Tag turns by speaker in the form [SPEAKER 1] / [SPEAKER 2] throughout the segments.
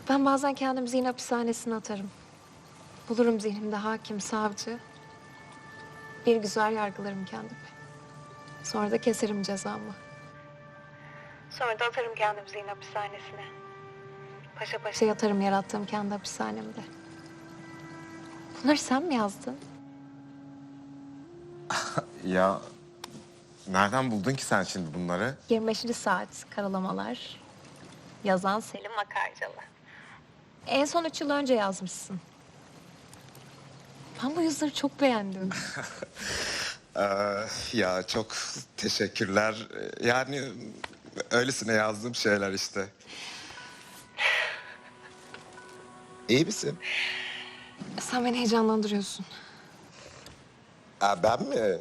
[SPEAKER 1] Ben bazen kendimi zihin hapishanesine atarım. Bulurum zihnimde hakim, savcı. Bir güzel yargılarım kendimi. Sonra da keserim cezamı. Sonra da atarım kendimi zihin hapishanesine. Paşa paşa yatarım yarattığım kendi hapishanemde. Bunları sen mi yazdın?
[SPEAKER 2] Ya nereden buldun ki sen şimdi bunları?
[SPEAKER 1] 25. saat karalamalar. Yazan Selim Akarcalı. En son 3 yıl önce yazmışsın. Ben bu yazıları çok beğendim.
[SPEAKER 2] Ya çok teşekkürler. Yani öylesine yazdığım şeyler işte. İyi misin?
[SPEAKER 1] Sen beni heyecanlandırıyorsun.
[SPEAKER 2] Ben mi?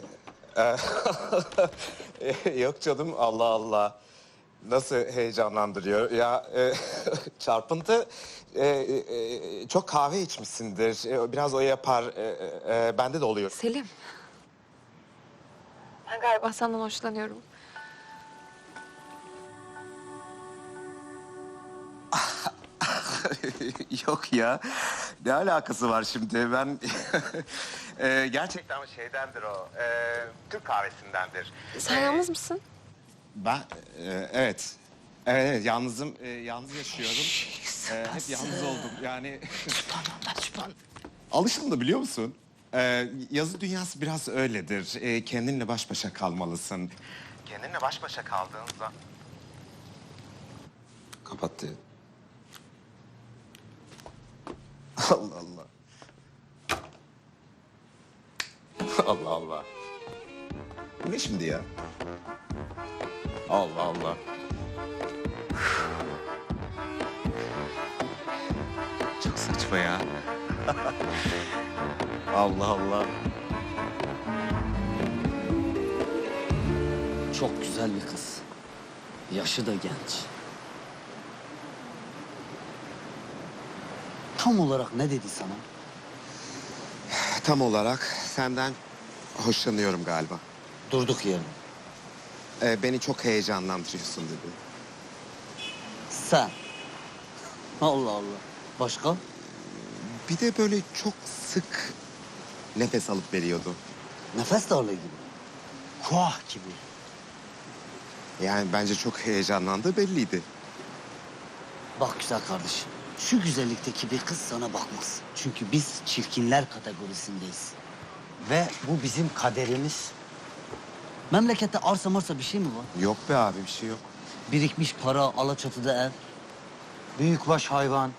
[SPEAKER 2] Yok canım, Allah Allah. Nasıl heyecanlandırıyor? Ya çarpıntı çok kahve içmişsindir. Biraz o yapar. Bende de oluyor.
[SPEAKER 1] Selim. Ben galiba senden hoşlanıyorum.
[SPEAKER 2] Yok ya. Ne alakası var şimdi? Ben gerçekten şeydendir o. Türk kahvesindendir.
[SPEAKER 1] Sen yalnız mısın?
[SPEAKER 2] Ben evet. Evet, yalnızım. Yalnız yaşıyorum. Hep yalnız oldum. Yani alıştım da biliyor musun? Yazı dünyası biraz öyledir. Kendinle baş başa kalmalısın. Kendinle baş başa kaldığın zaman... Kapattı. Allah Allah. Allah Allah. Bu ne şimdi ya? Allah Allah. Çok saçma ya. Allah Allah.
[SPEAKER 3] Çok güzel bir kız. Yaşı da genç. Tam olarak ne dedi sana?
[SPEAKER 2] Tam olarak senden hoşlanıyorum galiba.
[SPEAKER 3] Durduk yere.
[SPEAKER 2] Beni çok heyecanlandırıyorsun dedi.
[SPEAKER 3] Sen. Allah Allah. Başka?
[SPEAKER 2] Bir de böyle çok sık nefes alıp veriyordu.
[SPEAKER 3] Nefes darlığı gibi. Kuah gibi.
[SPEAKER 2] Yani bence çok heyecanlandığı belliydi.
[SPEAKER 3] Bak güzel kardeşim. Şu güzellikteki bir kız sana bakmaz. Çünkü biz çirkinler kategorisindeyiz. Ve bu bizim kaderimiz. Memlekette arsa marsa bir şey mi var?
[SPEAKER 2] Yok be abi, bir şey yok.
[SPEAKER 3] Birikmiş para, Alaçatı'da ev. Büyükbaş hayvan.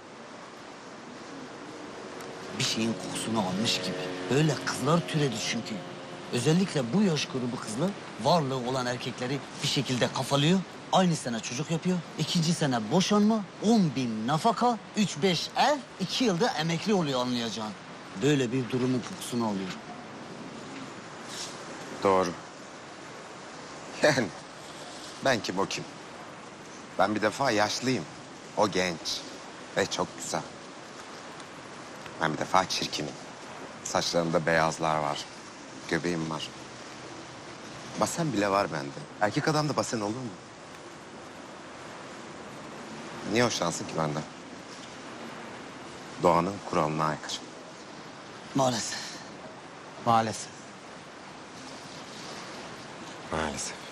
[SPEAKER 3] Bir şeyin kokusunu almış gibi. Böyle kızlar türedi çünkü. Özellikle bu yaş grubu kızlar varlığı olan erkekleri bir şekilde kafalıyor. Aynı sene çocuk yapıyor. 2. sene boşanma, 10.000 nafaka, 3-5 ev, 2 yılda emekli oluyor anlayacağın. Böyle bir durumun kokusunu alıyor.
[SPEAKER 2] Doğru. Yani ben kim o kim? Ben bir defa yaşlıyım. O genç ve çok güzel. Ben bir defa çirkinim. Saçlarımda beyazlar var. Göbeğim var. Basen bile var bende. Erkek adamda basen olur mu? Niye hoşlansın ki benden? Doğanın kuralına aykırı.
[SPEAKER 3] Maalesef.
[SPEAKER 4] Maalesef.
[SPEAKER 2] Maalesef.